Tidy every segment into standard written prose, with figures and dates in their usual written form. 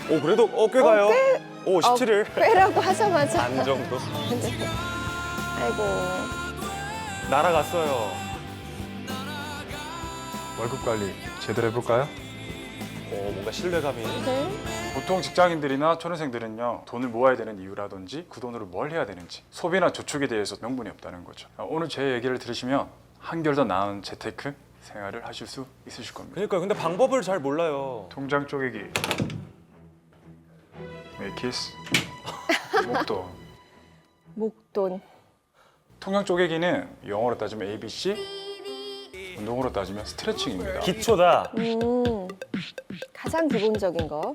오 그래도 꽤 가요. 오 17일. 꽤라고 하자마자. 반 정도. 아이고. 날아갔어요. 월급 관리 제대로 해볼까요? 뭔가 신뢰감이. 네. 보통 직장인들이나 초년생들은요, 돈을 모아야 되는 이유라든지 그 돈으로 뭘 해야 되는지 소비나 저축에 대해서 명분이 없다는 거죠. 오늘 제 얘기를 들으시면 한결 더 나은 재테크 생활을 하실 수 있으실 겁니다. 그러니까 근데 방법을 잘 몰라요. 통장 쪼개기, 메이키스, 목돈. 목돈. 통장 쪼개기는 영어로 따지면 ABC, 운동으로 따지면 스트레칭입니다. 기초다. 가장 기본적인 거.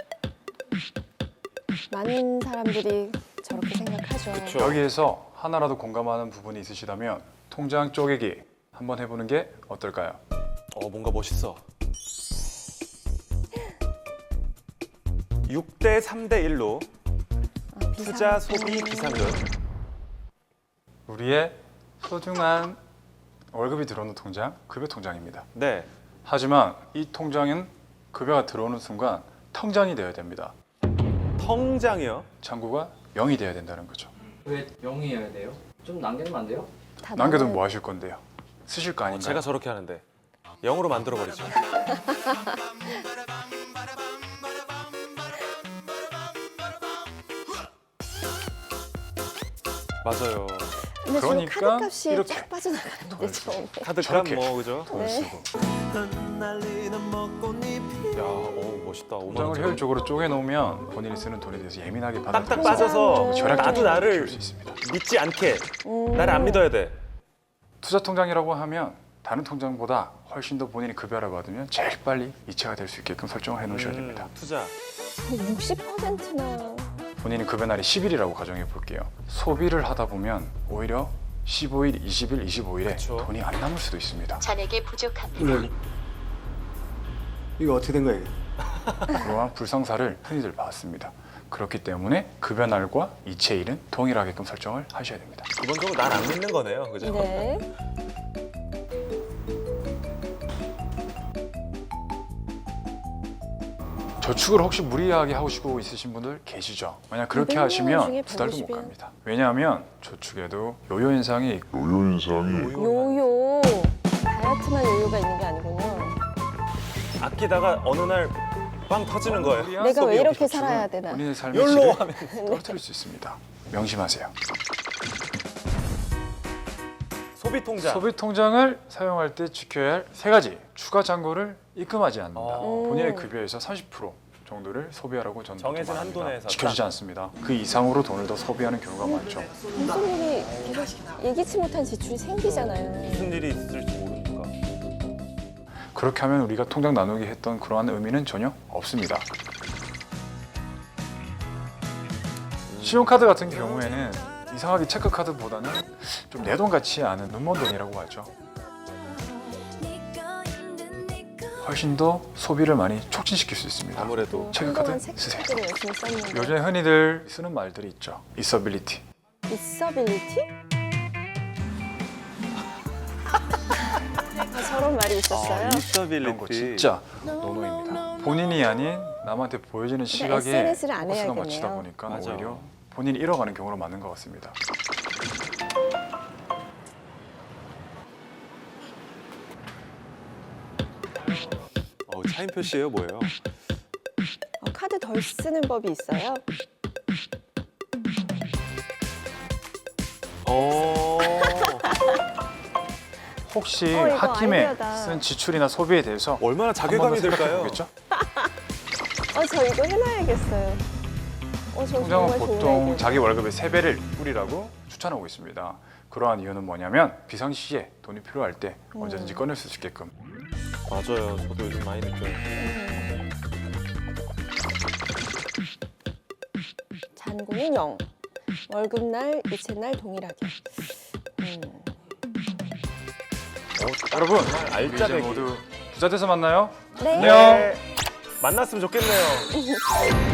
많은 사람들이 저렇게 생각하죠. 그쵸. 여기에서 하나라도 공감하는 부분이 있으시다면 통장 쪼개기 한번 해보는 게 어떨까요? 뭔가 멋있어. 6대 3대 1로 투자, 소비, 비상금. 우리의 소중한 월급이 들어오는 통장, 급여 통장입니다. 네. 하지만 이 통장은 급여가 들어오는 순간 통장이 되어야 됩니다. 통장이요? 창구가 0이 되어야 된다는 거죠. 왜 0이어야 돼요? 좀 남기면 안 돼요? 다 남겨두면 나와요. 뭐 하실 건데요? 쓰실 거 아닌가요? 제가 저렇게 하는데 0으로 만들어 버리죠. 맞아요. 근데 지금 그러니까 카드값이 이렇게 쫙 빠져나가는데 처음에. 카드값 저렇게. 뭐 그죠? 돈을 네. 쓰고 야, 멋있다. 5만 통장을 원. 효율적으로 쪼개놓으면 본인이 쓰는 돈에 대해서 예민하게 딱딱 받아들여서 빠져서 절약적으로 나도 나를 키울 수 있습니다. 믿지 않게 나를 안 믿어야 돼. 투자 통장이라고 하면 다른 통장보다 훨씬 더 본인이 급여를 받으면 제일 빨리 이체가 될 수 있게끔 설정을 해놓으셔야 됩니다. 투자. 60%나. 본인이 급여 날이 10일이라고 가정해 볼게요. 소비를 하다 보면 오히려 15일, 20일, 25일에 그쵸. 돈이 안 남을 수도 있습니다. 잔액이 부족합니다. 이거 어떻게 된 거예요? 그러한 불상사를 흔히들 봤습니다. 그렇기 때문에 급여 날과 이체일은 동일하게끔 설정을 하셔야 됩니다. 기본적으로 날 안 믿는 거네요, 그죠? 네. 저축을 혹시 무리하게 하시고 있으신 분들 계시죠? 만약 그렇게 200만 원 하시면 중에 2달도 못 150 이요. 갑니다. 왜냐하면 저축에도 요요 현상이 있고 요요. 다이어트만 요요가 있는 게 아니군요. 아끼다가 어느 날 빵 터지는 거예요. 내가 왜 이렇게 저축은 살아야 되나. 본인의 삶의 욜로 질을 하면 떨어뜨릴 수 있습니다. 명심하세요. 소비 통장. 소비 통장을 사용할 때 지켜야 할 세 가지 추가 잔고를 입금하지 않는다. 본인의 급여에서 30% 정도를 소비하라고 저는 정해진 보통 한도 말합니다. 내에서 지켜지지 않습니다. 그 이상으로 돈을 더 소비하는 경우가 많죠. 무슨 일이 계속 예기치 못한 지출이 생기잖아요. 무슨 일이 있을지 모르니까. 그렇게 하면 우리가 통장 나누기 했던 그러한 의미는 전혀 없습니다. 신용카드 같은 경우에는 이상하게 체크카드보다는 좀 내 돈 같지 않은 눈먼 돈이라고 하죠. 훨씬 더 소비를 많이 촉진시킬 수 있습니다. 아무래도 체크카드 한동안 쓰세요. 체크카드를 열심히 썼는데. 요즘 흔히들 쓰는 말들이 있죠. 있어빌리티. 있어빌리티? 저런 말이 있었어요. 이런 거 인스타빌리티. 진짜 노노입니다. 본인이 아닌 남한테 보여지는 시각에 SNS를 안 포커스가 해야겠네요. 맞추다 보니까 맞아. 오히려 본인이 잃어가는 경우가 많은 것 같습니다. 차인 표시예요, 뭐예요? 카드 덜 쓰는 법이 있어요. 혹시 이거 홧김에 아이디어다. 쓴 지출이나 소비에 대해서 얼마나 한 번 자괴감이 더 생각해 들까요? 보겠죠? 저 이거 해놔야겠어요. 저 통장은 정말 좋은 보통 아이디어. 자기 월급의 3배를 뿌리라고 추천하고 있습니다. 그러한 이유는 뭐냐면 비상시에 돈이 필요할 때 언제든지 꺼낼 수 있게끔. 맞아요. 저도 요즘 많이 느껴요. 잔고는 0. 월급날, 이체날 동일하게. 여러분, 정말 우리 이제 알짜배기. 모두 부자 돼서 만나요. 네. 안녕. 만났으면 좋겠네요.